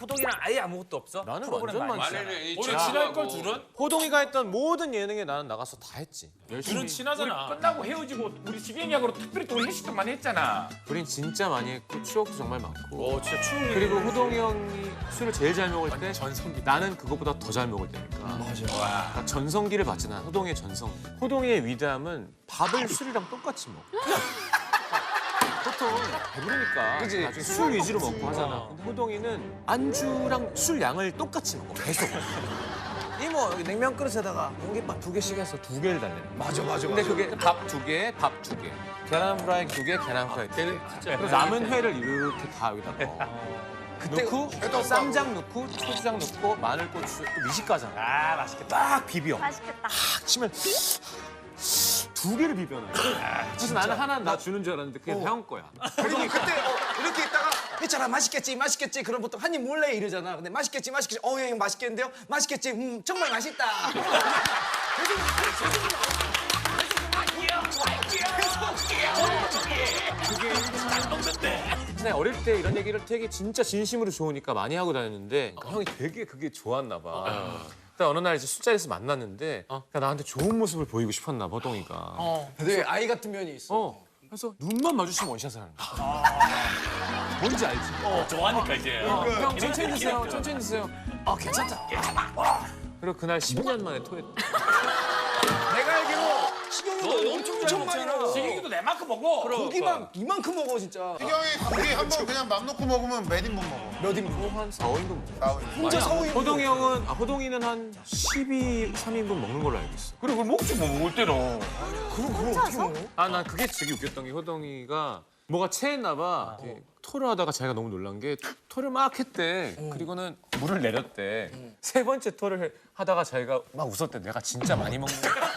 호동이랑 아예 아무것도 없어? 나는 프로그램 완전 많이 많지. 있잖아. 우리 친할 걸 둘은? 호동이가 했던 모든 예능에 나는 나가서 다 했지. 둘은 친하잖아. 끝나고 헤어지고 우리 지경이하고 특별히 또 우리 회식도 많이 했잖아. 우린 진짜 많이 했고 추억도 정말 많고. 진짜 추운 그리고 호동이 형이 술을 제일 잘 먹을 때 전성기. 나는 그것보다 더 잘 먹을 때니까. 맞아. 그러니까 전성기를 봤지 난. 호동이의 전성기. 호동이의 위대함은 밥을 술이랑 똑같이 먹어. 보통 배부르니까 나중에 술 위주로 먹고 하잖아. 근데 호동이는 안주랑 술 양을 똑같이 먹어. 계속. 이모 여기 냉면 그릇에다가 공깃밥 2개씩 해서 2개를 달래. 맞아. 근데 그게 밥 2개, 밥 2개. 계란 프라이 2개, 계란 프라이 2개. 그리고 남은 회를 이렇게 다 여기다 넣어. 넣고 쌈장 넣고 초장 넣고 마늘 고추 또 미식가잖아. 아 맛있겠다. 딱 비벼. 맛있겠다. 딱 치면 2개를 비벼놔. 그래서 나는 하나 나 주는 줄 알았는데 그게 형 거야. 그리고 그때 이렇게 있다가 했잖아 맛있겠지 그럼 보통 한 입 몰래 이러잖아. 근데 맛있겠지 형 맛있겠는데요? 맛있겠지 정말 맛있다. 근데 어릴 때 이런 얘기를 되게 진짜 진심으로 좋으니까 많이 하고 다녔는데 형이 되게 그게 좋았나 봐. 그러다 어느 날 이제 술자리에서 만났는데 그러니까 나한테 좋은 모습을 보이고 싶었나 봐, 호동이가. 되게 아이 같은 면이 있어. 그래서 눈만 마주치면 원샷을 하는 거야. 뭔지 알지? 좋아하니까 이제. 형 천천히 드세요, 천천히 드세요. 괜찮다. 그리고 그날 10년 만에 토했다. 내가 알기로 식용유도 엄청 많이 넣어. 지경이도 내만큼 먹어. 고기만 이만큼 먹어 진짜. 희경이 고기 한 번 그냥 맘 놓고 먹으면 몇 인분 먹어? 몇 인분? 한 4, 5인분 먹어. 혼자 사오인 호동이는 한 12, 3인분 먹는 걸로 알고 있어. 그래 그걸 먹지 뭐 먹을 때는. 그걸 어떻게 먹어? 난 그게 되게 웃겼던 게 호동이가 뭐가 체했나 봐. 이렇게 토를 하다가 자기가 너무 놀란 게 토를 막 했대. 그리고는 물을 내렸대. 세 번째 토를 하다가 자기가 막 웃었대. 내가 진짜 많이 먹는 거야.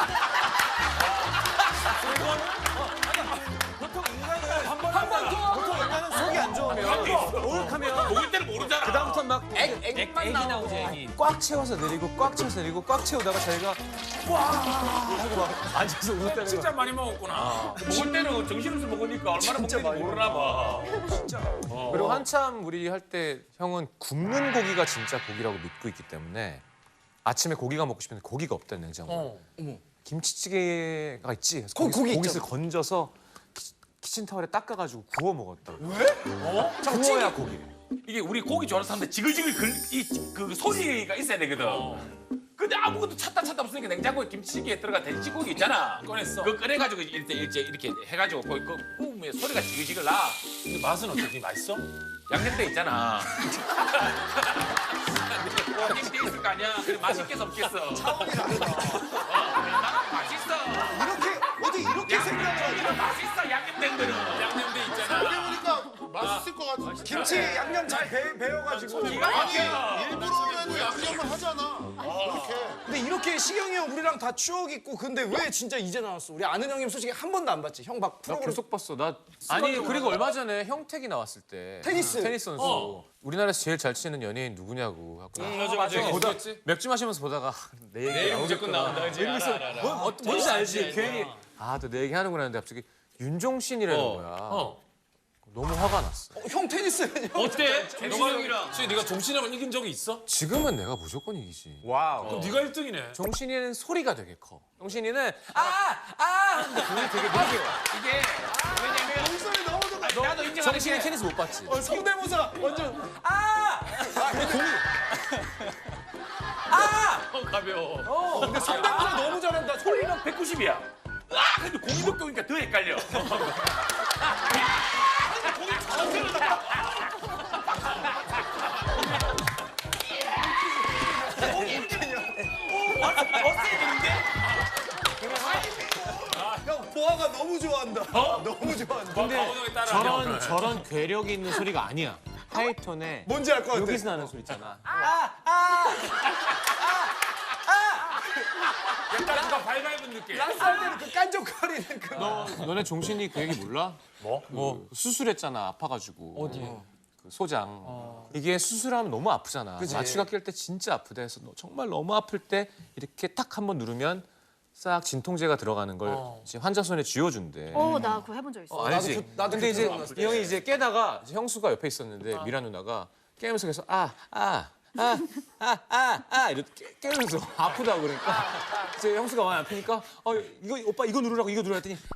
보통 인간은 속이 안 좋으면 오락하면 먹을 때는 모르잖아. 그다음부터 막 액이 나오지. 액이. 꽉 채워서 내리고 꽉 채워서 내리고 꽉 채우다가 자기가 와 하고 막 앉아서 웃었다는 진짜 거야. 많이 먹었구나. 먹을 때는 정신없이 먹으니까 얼마나 먹는지 모르나 봐. 그리고 한참 우리 할 때 형은 굽는 고기가 진짜 고기라고 믿고 있기 때문에 아침에 고기가 먹고 싶은데 고기가 없다는 냉장고에. 김치찌개가 있지. 그래서 고기 고깃을 건져서 키친타월에 닦아가지고 구워 먹었다고. 왜? 구워야 고기래. 이게 우리 고기 좋아하는 사람들 지글지글 그 소리가 있어야 되거든. 근데 아무것도 찾다 없으니까 냉장고에 김치찌개에 들어간 돼지고기 있잖아. 꺼냈어. 그거 꺼내가지고 이렇게 해가지고 거기 그 구우면 소리가 지글지글 나. 근데 맛은 어떻게 맛있어? 양념돼 있잖아. 양념돼 있을 거 아니야. 그래 맛있겠어 없겠어. 차원이 다르다. 맛있어. 이렇게 생각해. 맛있어 양념된 거는. 양념돼 있잖아. 그러니까 맛있을 것 같아. 김치 양념 잘 배워가지고. 기가 막혀. 일부러라도 양념을 하잖아. 이렇게. 근데 이렇게 시경이 형 우리랑 다 추억 있고 근데 왜 진짜 이제 나왔어? 우리 아는 형님 솔직히 한 번도 안 봤지. 형 막 나 프로그램 계속 봤어. 아니 그리고 얼마 전에 형택이 나왔을 때 테니스. 선수. 우리나라에서 제일 잘 치는 연예인 누구냐고 하고 맞아. 맥주 마시면서 보다가 내 얘기 내일 무조건 나온다. 그지? 알아. 뭔지 알지? 괜히 또 내 얘기 하는구나 했는데 갑자기 윤종신이라는 거야. 너무 화가 났어. 형 테니스 어때? 종신이 형이랑. 혹시 네가 종신이랑 이긴 적이 있어? 지금은 내가 무조건 이기지. 그럼 네가 1등이네. 종신이는 소리가 되게 커. 종신이는 근데 그게 되게 늦게 와. 이게 왜냐면 목소리 너무 좋아. 나도 인정하는 정신이 게 테니스 못 봤지? 성대모사 완전 가벼워. 근데 성대모사 너무 잘한다. 소리는 190이야. 근데 공이 높게 오니까 더 헷갈려. 형 보아가 너무 좋아한다. 너무 좋아한다. 근데 저런 괴력이 있는 소리가 아니야. 하이톤에 뭔지 알 것 같아. 여기서 나는 소리 있잖아. 약간 누가 발발분 느낌. 쌀 때는 그 깐족거리는 그. 너네 종신이 그 얘기 몰라? 뭐? 수술했잖아, 아파가지고. 어디? 그 소장. 이게 수술하면 너무 아프잖아. 마취가 낄 때 진짜 아프대. 그래서 너 정말 너무 아플 때 이렇게 딱 한번 누르면 싹 진통제가 들어가는 걸 이제 환자 손에 쥐어준대. 나 그거 해본 적 있어. 알지? 나도 근데 이제 들어봤어. 이 형이 이제 깨다가 이제 형수가 옆에 있었는데 미라 누나가 깨면서 계속 이렇게 깨면서 아프다고 그러니까 이제 형수가 많이 아프니까 이거 오빠 이거 누르라고 이거 누르라 했더니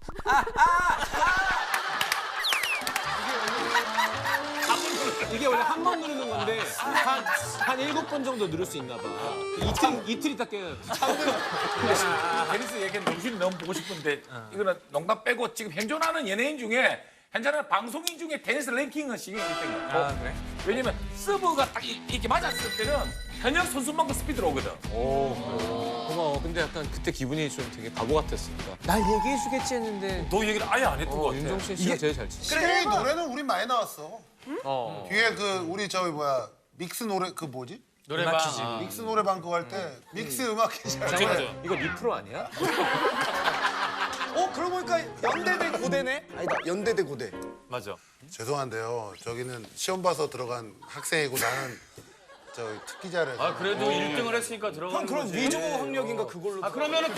이게 원래 한 번 누르는 건데 한 7번 정도 누를 수 있나 봐. 이틀 있다 깨요. 테니스 얘기는 정신이 너무 보고 싶은데 이거는 농담 빼고 지금 현존하는 연예인 중에 현존하는 방송인 중에 테니스 랭킹은 시경이 1등이야. 그래? 왜냐면 서브가 딱 이렇게 맞았을 때는 현역 선수만큼 스피드로 오거든. 고마워. 근데 약간 그때 기분이 좀 되게 바보 같았으니까. 날 얘기해주겠지 했는데 너 얘기를 아예 안 했던 것 같아. 윤종신 씨가 제일 잘 치지. 시경이 노래는 우리 많이 나왔어. 어. 뒤에 그 우리 저기 뭐야 믹스 노래 그 뭐지? 노래방. 믹스 노래방 그거 할 때 믹스 음악 퀴즈 할 때. 맞아. 이거 니 프로 아니야? 그러고 보니까 연대대 고대네? 아니다, 연대대 고대. 맞아. 죄송한데요. 저기는 시험 봐서 들어간 학생이고 나는 저 특기자를. 아 그래도 1등을 했으니까 들어가는 형 그럼 거지. 위조 학력인가 그걸로. 아 그러면은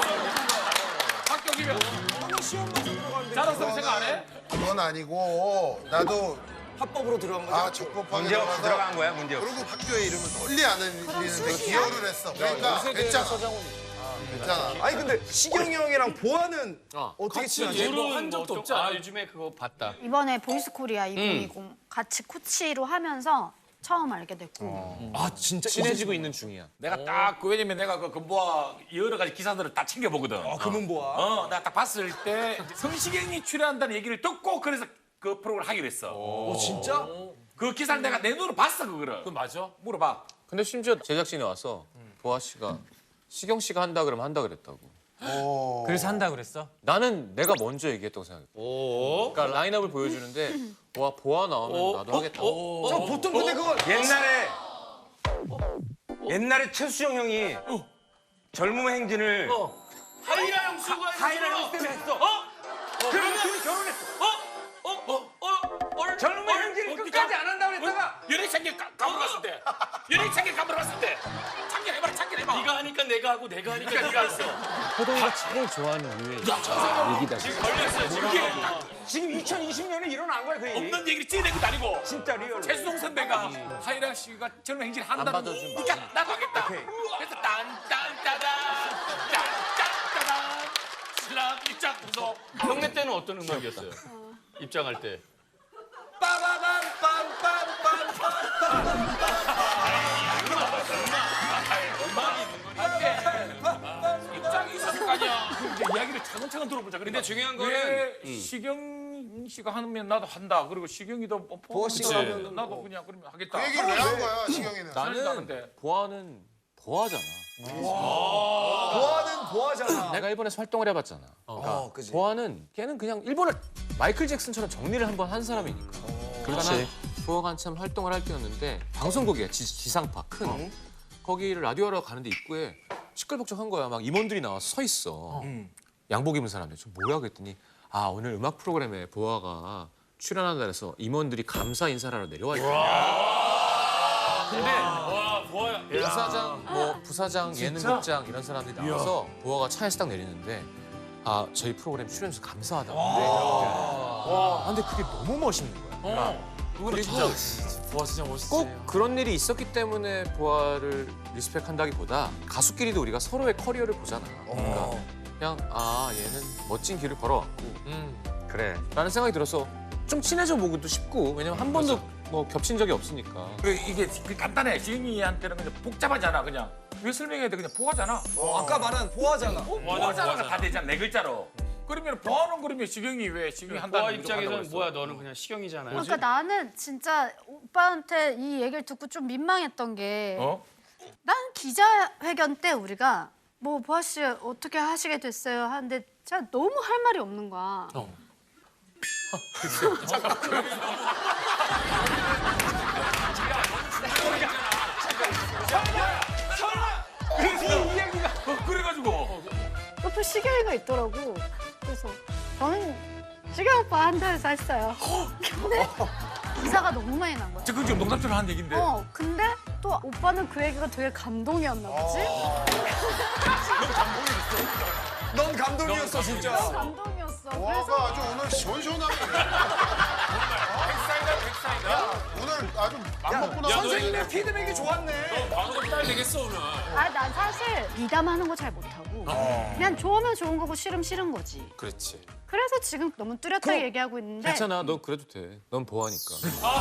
합격이면 시험 봐서 들어가는데. 잘했다고 생각 안 해? 그건 아니고 나도 합법으로 들어간 거죠? 적법하게 문제 없이 들어가서 들어간 거야, 문제 없이. 그리고 학교의 이름을 널리 알리는데 기여를 했어. 그러니까 됐잖아. 됐잖아. 아니 근데 시경이 형이랑 보아는 어떻게 친하지? 뭐한 적도 없지 않아? 요즘에 그거 봤다. 이번에 보이스코리아 2020 같이 코치로 하면서 처음 알게 됐고 아 진짜 친해지고 있는 중이야. 내가 딱 왜냐면 내가 그 금보아 여러 가지 기사들을 다 챙겨보거든. 금은보아. 내가 딱 봤을 때 성시경이 출연한다는 얘기를 듣고 그래서 그 프로그램을 하기로 했어. 진짜? 그 기사를 내가 내 눈으로 봤어 그거를. 그 맞아? 물어봐. 근데 심지어 제작진이 와서 보아 씨가 시경 씨가 한다 그러면 한다 그랬다고. 그래서 한다 그랬어? 나는 내가 먼저 얘기했다고 생각해. 그러니까 라인업을 보여주는데 보아 나오면 나도 하겠다. 저 보통 근데 그거 옛날에 최수영 형이 젊음의 행진을 하이라 형수가 하이라 형 때문에 했어. 그러면 둘이 결혼했어. 젊음의 행진을 끝까지 안 한다고 그랬다가 연예창길 감으러 갔을 때. 연예창길 감으러 갔을 때. 창길해봐라 창길해봐. 네가 하니까 내가 하고 내가 하니까 네가 했어. 호동이가 제일 좋아하는 류의 얘기다. 걸렸어 지금. 지금 2020년에 일어난 거야 그 얘기. 없는 얘기를 찌내는 것도 아니고. 진짜 리얼로. 최수동 선배가 하이라 씨가 젊은 행진 한다는 거. 받아준 그러니까 나도 하겠다. 그래서 딴딴따단 딴딴따단 슬람 입장 구속. 형네 때는 어떤 음악이었어요? 입장할 때. 입장이 있었을 거 아니야. 이제 이야기를 차근차근 들어보자. 근데 중요한 왜 거는 시경 씨가 하면 나도 한다. 그리고 시경이도 보아 씨가 하면 나도 그냥 그러면 하겠다. 그 얘기를 왜 한 거야 시경이는? 나는 나는 보아는 보아잖아. 보아는 보아잖아. 내가 일본에서 활동을 해봤잖아. 그지. 보아는 걔는 그냥 일본을 마이클 잭슨처럼 정리를 한번 한 사람이니까. 그렇지. 보아가 한참 활동을 할 때였는데 방송국이야 지상파 큰. 거기를 라디오하러 가는데 입구에 시끌벅적한 거야. 막 임원들이 나와서 서 있어. 양복 입은 사람들. 저 뭐야 그랬더니 오늘 음악 프로그램에 보아가 출연한다 해서 임원들이 감사 인사를 하러 내려와 있다. 근데 와 보아야. 부사장, 부사장, 예능국장 이런 사람들이 나와서 보아가 차에서 딱 내리는데 저희 프로그램 출연해서 감사하다고. 근데 그게 너무 멋있는 거야. 그리고 보아 진짜 멋있지. 꼭 그런 일이 있었기 때문에 보아를 리스펙한다기보다 가수끼리도 우리가 서로의 커리어를 보잖아. 그러니까 그냥 얘는 멋진 길을 걸어왔고 그래 라는 생각이 들어서 좀 친해져 보기도 쉽고 왜냐면 한 번도 뭐 겹친 적이 없으니까. 이게 간단해. 시경이한테는 그냥 복잡하잖아. 그냥 왜 설명해야 돼? 그냥 보아잖아. 아까 말한 보아잖아. 보아잖아가 다 되잖아. 네 글자로. 그러면 보아는 그러면 시경이 왜 시경이 한다는 보아 무조건 입장에서는 한다고 뭐야 했어? 너는 그냥 시경이잖아요. 그러니까 나는 진짜 오빠한테 이 얘기를 듣고 좀 민망했던 게 난 기자회견 때 우리가 뭐 보아 씨 어떻게 하시게 됐어요 하는데 진짜 너무 할 말이 없는 거야. 그래가지고 옆에 시경이가 있더라고. 그래서 저는 시경 오빠 한다 해서 했어요. 근데 기사가 너무 많이 난 거야. 지금 농담처럼 한 얘긴데. 근데 또 오빠는 그 얘기가 되게 감동이었나 보지? 넌 감동이었어 진짜. 감동이었어. 그래서 와가 아주 오늘 시원시원하게. 백사이다 백사이다. 오늘 오늘 아주 맘먹고 나왔네. 선생님의 피드백이 좋았네. 방송 따야 되겠어 오늘. 난 사실 미담하는 거 잘 못하고 그냥 좋으면 좋은 거고 싫으면 싫은 거지. 그렇지. 그래서 지금 너무 뚜렷하게 얘기하고 있는데 괜찮아. 너 그래도 돼. 넌 보아니까.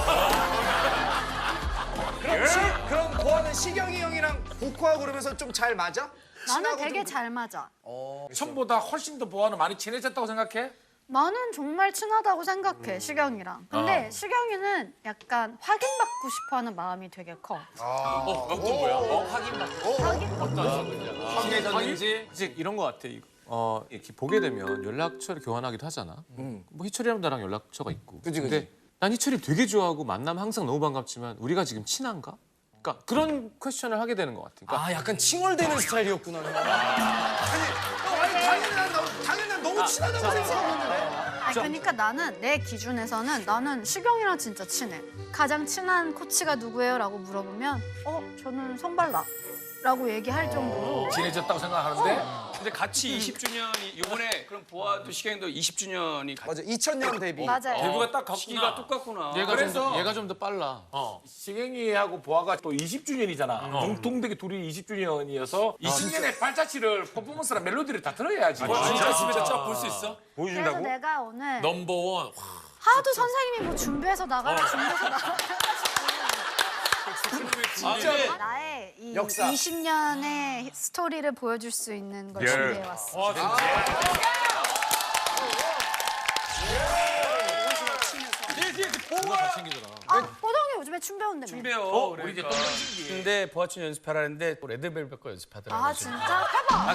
그럼 보아는 시경이 형이랑 복구하고 그러면서 좀 잘 맞아? 나는 친하고 되게 좀 잘 맞아. 처음보다 훨씬 더 보아는 많이 친해졌다고 생각해? 나는 정말 친하다고 생각해, 시경이랑. 근데 시경이는 약간 확인받고 싶어하는 마음이 되게 커. 어떤 거야? 확인해졌는지 이제 이런 거 같아. 이렇게 보게 되면 연락처를 교환하기도 하잖아. 뭐 희철이랑 나랑 연락처가 있고. 근데 난 희철이 되게 좋아하고 만나면 항상 너무 반갑지만 우리가 지금 친한가? 그러니까 그런 퀘스천을 하게 되는 것 같아. 그러니까 아 약간 칭얼대는 스타일이었구나. 당연히 난 너무 친하다고 생각했는데. 그러니까 나는 내 기준에서는 나는 시경이랑 진짜 친해. 가장 친한 코치가 누구예요? 라고 물어보면 저는 성발라라고 얘기할 정도로 친해졌다고 생각하는데 근데 같이 20주년이 이번에 그럼 보아도 시경도 20주년이 맞아 2000년 데뷔. 맞아요. 대부가 딱 시기가 같구나. 똑같구나. 얘가 좀 더 빨라. 시경이하고 보아가 또 20주년이잖아. 동백이 둘이 20주년이어서 20년의 발자취를 퍼포먼스랑 멜로디를 다 들어야지. 진짜 진짜 볼 수 있어? 그래서 내가 오늘 넘버원. 하도 선생님이 뭐 준비해서 나가라 준비해서 나가라 진짜. 나의 이 역사. 20년의 스토리를 보여줄 수 있는 걸 준비해왔어. 와 진짜. 뽀동이 요즘에 춤 배운다며. 춤배요. 우리 이제 똥동신기. 근데 보아춤 연습하라는데 레드벨벳 거 연습하더라고. 아 진짜? 해봐.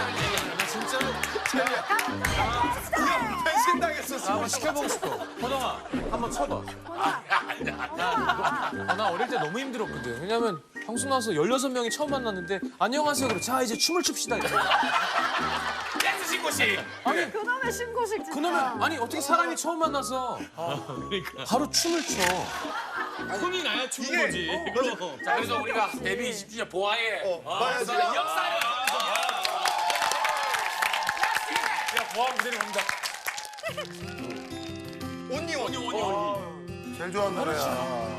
배신당했어. 한번 시켜보고 싶어. 호동아, 한번 쳐봐. 나 어릴 때 너무 힘들었거든. 왜냐면 방송 나와서 16명이 처음 만났는데 안녕하세요. 그래. 자 이제 춤을 춥시다. 이래. 댄스 신고식. 그놈의 신고식 진짜. 그러면 아니 어떻게 사람이 처음 만나서 바로 춤을 춰. 혼이 나야 춤인 거지. 자, 그래서 우리가 데뷔 20주년 보아의 봐야지. 역사를. 야, 보아 무대를 봅니다. 온니. 제일 좋아하는 노래야.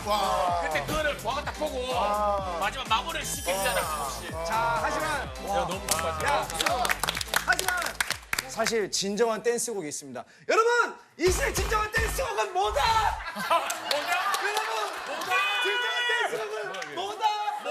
근데 그거를 보아가 딱 보고 마지막 마무리를 시켜주잖아. 자, 하지만 하지만 사실 진정한 댄스곡이 있습니다. 여러분, 이 시대 진정한 댄스곡은 뭐다? 여러분, 진정한 댄스곡은 뭐다?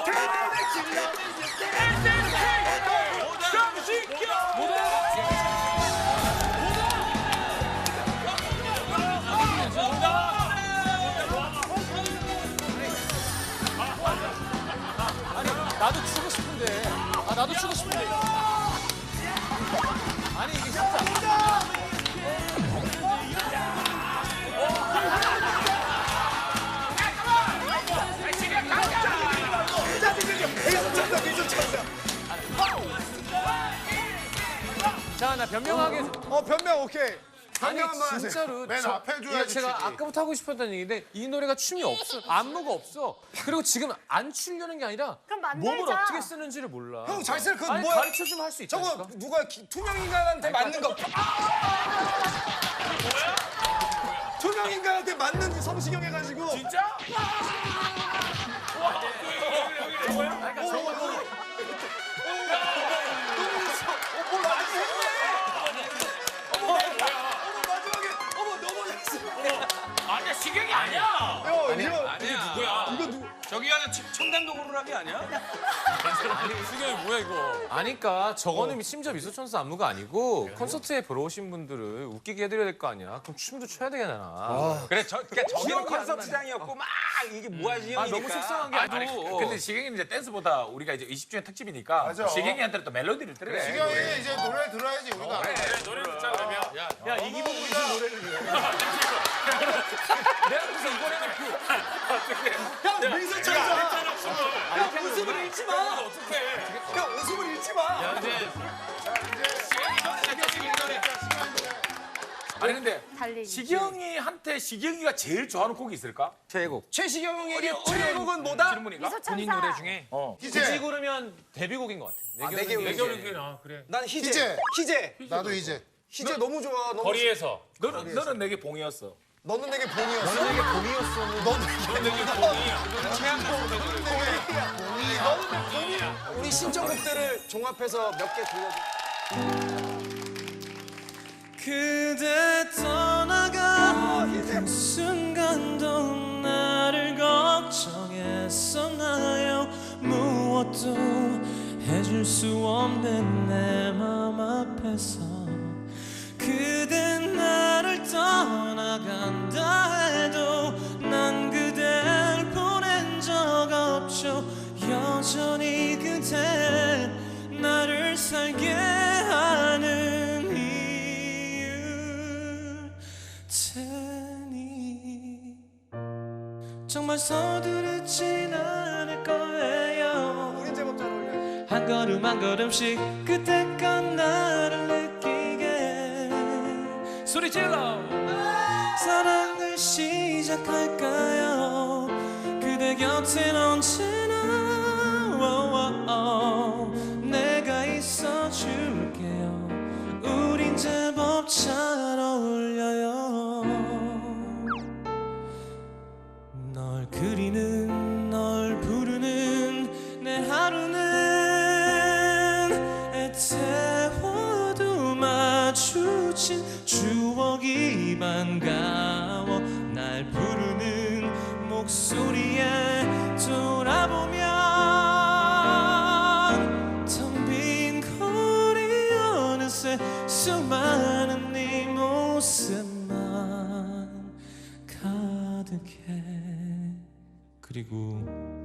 나도 추고 싶은데. 나도 추고 싶은데. 아니 이게 진짜. 자, 나 변명하게. 변명 오케이. 아니 변명 한번 하세요. 진짜로 맨 앞에 줘야지, 제가 춤이. 아까부터 하고 싶었던 얘기인데 이 노래가 춤이 없어. 안무가 없어. 그리고 지금 안 추려는 게 아니라 그럼 만들자. 몸을 어떻게 쓰는지를 몰라. 형 잘 쓸 그거 아니 뭐야? 가르쳐주면 할 수 있다니까. 저거 누가 투명 인간한테 맞는 거? 투명 인간한테 맞는 성시경 해가지고. 진짜? 마지막에 너무 잘했어. 아니야 시경이 아니야. 아니야. 누구야? 이거 누구? 저기 하나 청담동 호루라기 아니야? 수경이 뭐야 이거? 아니까 저거는 심지어 미소천사 안무가 아니고 콘서트에 보러 오신 분들을 웃기게 해드려야 될 거 아니야. 그럼 춤도 춰야 되잖아. 그래, 그러니까 저기는 콘서트장이었고 막 이게 뭐하지 형이니까. 너무 속상한 게 아니, 근데 시경이는 이제 댄스보다 우리가 이제 20주년 특집이니까 맞아. 시경이한테는 또 멜로디를 들어야 돼. 시경이 이제 노래 들어야지 우리가. 노래 듣자 그러면. 야 이기복 무슨 노래를 내가 무슨 이번에는 형 미소천사. 형 웃음을 잃지 마. 형 웃음을 잃지 마. 아니 근데 달리기. 시경이한테 시경이가 제일 좋아하는 곡이 있을까? 최애곡. 최시경 형에게 최애곡은 뭐다? 질문인가? 미소천사. 중에 굳이 희재. 고르면 데뷔곡인 것 같아. 내 겨울이 내겨울이 그래. 난 희재. 희재. 나도 이제. 희재 너무 좋아. 너무 거리에서. 너는 내게 봉이었어. 너는 내게 봄이었어. 너는 내게 봄이었어. 너는 내게 봄이야. 우리 신청곡들을 종합해서 몇 개 들려줘. 그대 떠나간 순간도 나를 걱정했었나요? 무엇도 해줄 수 없는 내 맘 앞에서 그대 나를 떠나간다 해도 난 그댈 보낸 적 없죠. 여전히 그대 나를 살게 하는 이유 테니 정말 서두르진 않을 거예요. 우린 제법 잘 어울려. 한 걸음 한 걸음씩 그때껏 나를 느끼게 소리 질러 사랑을 시작할까요? 그대 곁엔 언제나 내가 있어줄게요. 우린 제법 잘 어울려요. 널 그리는 널 부르는 내 하루는 애태워도 마주친 추억이 반가워. 날 부르는 목소리에 돌아보면 텅 빈 거리 어느새 수많은 네 모습만 가득해. 그리고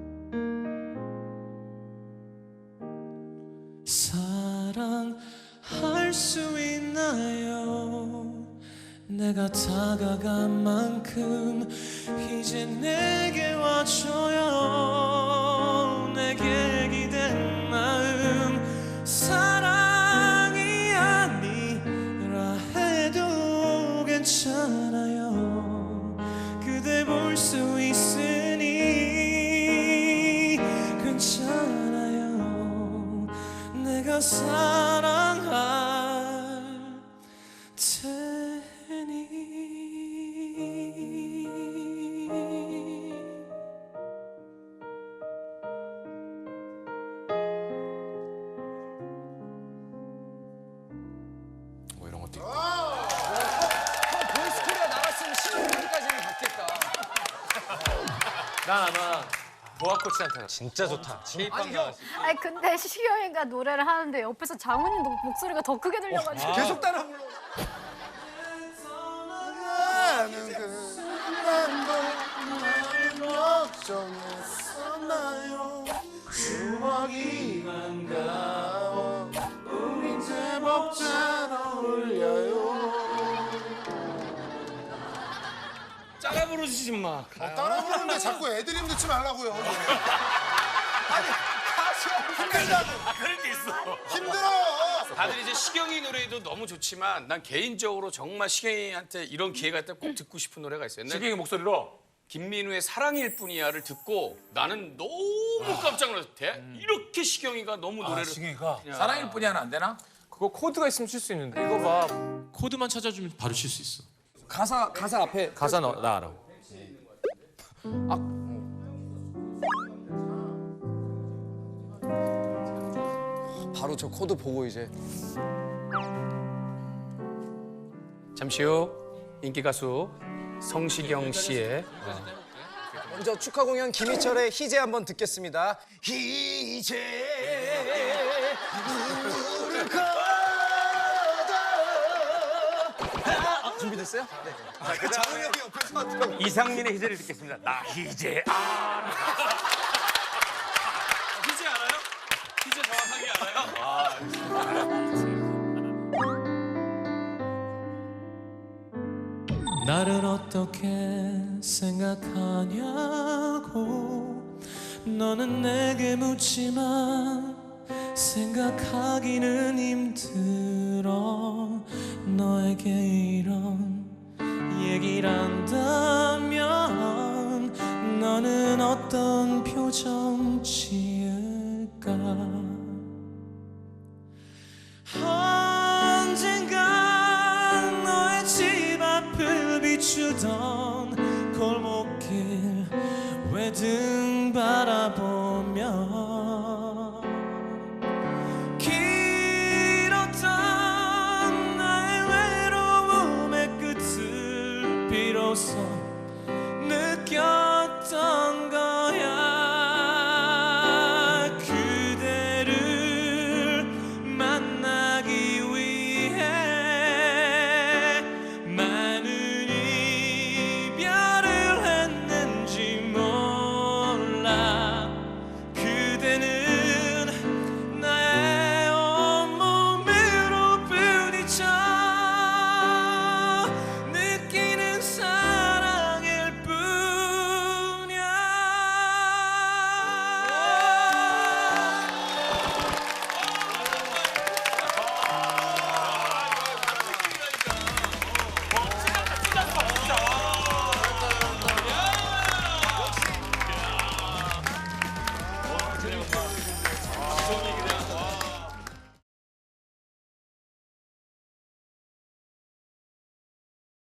사랑할 수 있나요? 내가 다가간 만큼 이제 내게 와줘요. 내게 기댄 마음 사랑이 아니라 해도 괜찮아요. 그대 볼 수 있으니 괜찮아요. 내가 사랑할 테니 아마 보아 코치한테 진짜 좋다. 아니 근데 시경이가 노래를 하는데 옆에서 장훈이 목소리가 더 크게 들려가지고 계속 따라 불러. 나는 그만도 나를 걱정했었나요 추억이 반가워 우린 제법 잘 어울려요 따라 부르지 마. 따라 부르는데 자꾸 애드립 넣지 말라고요 그럴 때 있어. 힘들어 다들 이제 시경이 노래도 너무 좋지만 난 개인적으로 정말 시경이한테 이런 기회가 있다면 꼭 듣고 싶은 노래가 있어요. 옛날에 시경이 목소리로 김민우의 사랑일 뿐이야를 듣고 나는 너무 깜짝 놀랐어. 이렇게 시경이가 너무 노래를 사랑일 뿐이야는 안 되나? 그거 코드가 있으면 칠 수 있는데 이거 봐. 코드만 찾아주면 바로 칠 수 있어. 가사 앞에 가사 나 알아. 바로 저 코드 보고 이제 잠시 후 인기 가수 성시경 씨의 먼저 축하 공연 김희철의 희재 한번 듣겠습니다. 희재 우를 걷어 준비됐어요? 네. 장훈이 형이 옆에서 하더라고. 이상민의 희재를 듣겠습니다. 나 이제 알아. 희재 알아요? 희재 정확하게 알아요? 나를 어떻게 생각하냐고 너는 내게 묻지만 생각하기는 힘들어 너에게 이런 얘기를 한다면 너는 어떤 표정 지을까 언젠간 너의 집 앞을 비추던 골목길 외등 바라보며 길었던 나의 외로움의 끝을 비로소